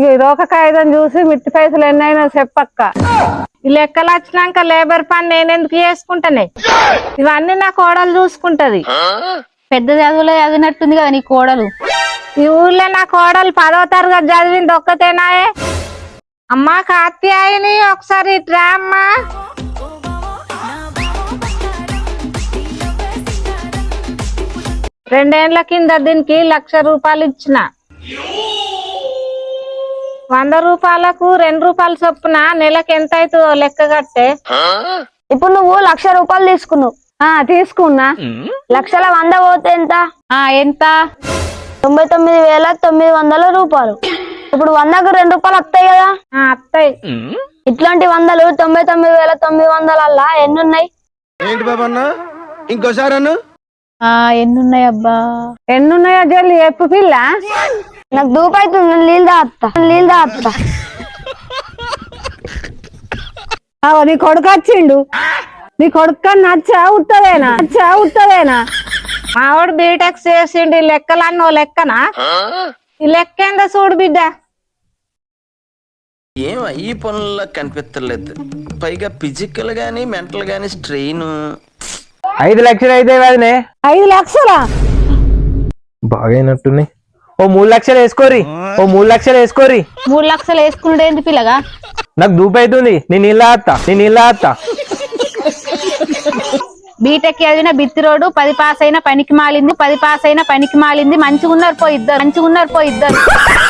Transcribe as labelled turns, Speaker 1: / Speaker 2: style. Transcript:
Speaker 1: రోక కాగితం చూసి మిట్టి పైసలు ఎన్నైనా చెప్పక్క. ఈ లెక్కలు వచ్చినాక లేబర్ పని నేనెందుకు చేసుకుంటానే? ఇవన్నీ నా కోడలు చూసుకుంటది.
Speaker 2: పెద్ద చదువులో చదివినట్టుంది కదా నీ కోడలు.
Speaker 1: ఈ ఊర్లో నా కోడలు 10వ తరగతి చదివింది ఒక్కతేనాయే. అమ్మా కాత్యాయని ఒకసారి ఇట్రా అమ్మా. రెండేళ్ల కింద దీనికి 1,00,000 రూపాయలు ఇచ్చిన. 100 రూపాయలకు 2 రూపాయలు చొప్పున నెలకు ఎంత అవుతుందో లెక్క కట్టే.
Speaker 3: ఇప్పుడు నువ్వు 1,00,000 రూపాయలు తీసుకున్నావు.
Speaker 1: తీసుకున్నా.
Speaker 3: 1,00,000 100 పోతే ఎంత?
Speaker 2: ఎంత?
Speaker 3: 99,900 రూపాయలు. ఇప్పుడు 100కు 2 రూపాయలు వస్తాయి కదా?
Speaker 1: వస్తాయి.
Speaker 3: ఇట్లాంటి 100లు 99,900 ఎన్నున్నాయి?
Speaker 4: ఏంటి బాబన్నా ఇంకోసారి అన్న
Speaker 2: ఎన్నున్నాయి అబ్బా?
Speaker 1: ఎన్నున్నాయో జల్లి చెప్పు పిల్ల.
Speaker 3: నాకు దూపైతుంది, నీళ్ళు తాగుతా.
Speaker 1: నీ కొడుకు వచ్చిండు. నీ కొడుకు నచ్చా ఉత్తదేనా? మావాడు బీటెక్ చేసిండు. ఈ లెక్కలన్నీ ఓ లెక్కనా? ఈ లెక్క ఏందో చూడు బిడ్డ.
Speaker 5: ఏం ఈ పనుల్లో కనిపించలేదు. పైగా ఫిజికల్ గానీ మెంటల్ గానీ స్ట్రెయిన్.
Speaker 6: 5 లక్షలు అయితే వదినే.
Speaker 1: 5 లక్షలా?
Speaker 6: బాగైనట్టున్నాయి. ఓ 3 లక్షలు వేసుకోరి. 3
Speaker 2: లక్షలు వేసుకున్నాడు ఏంటి పిల్లగా?
Speaker 6: నాకు దూపైతుంది. నేను ఇలా ఆత్తా.
Speaker 2: బీటెక్ చదివిన బిత్తిరోడు 10 పాస్ అయిన పనికి మాలింది. మంచిగున్నారు పో ఇద్దరు.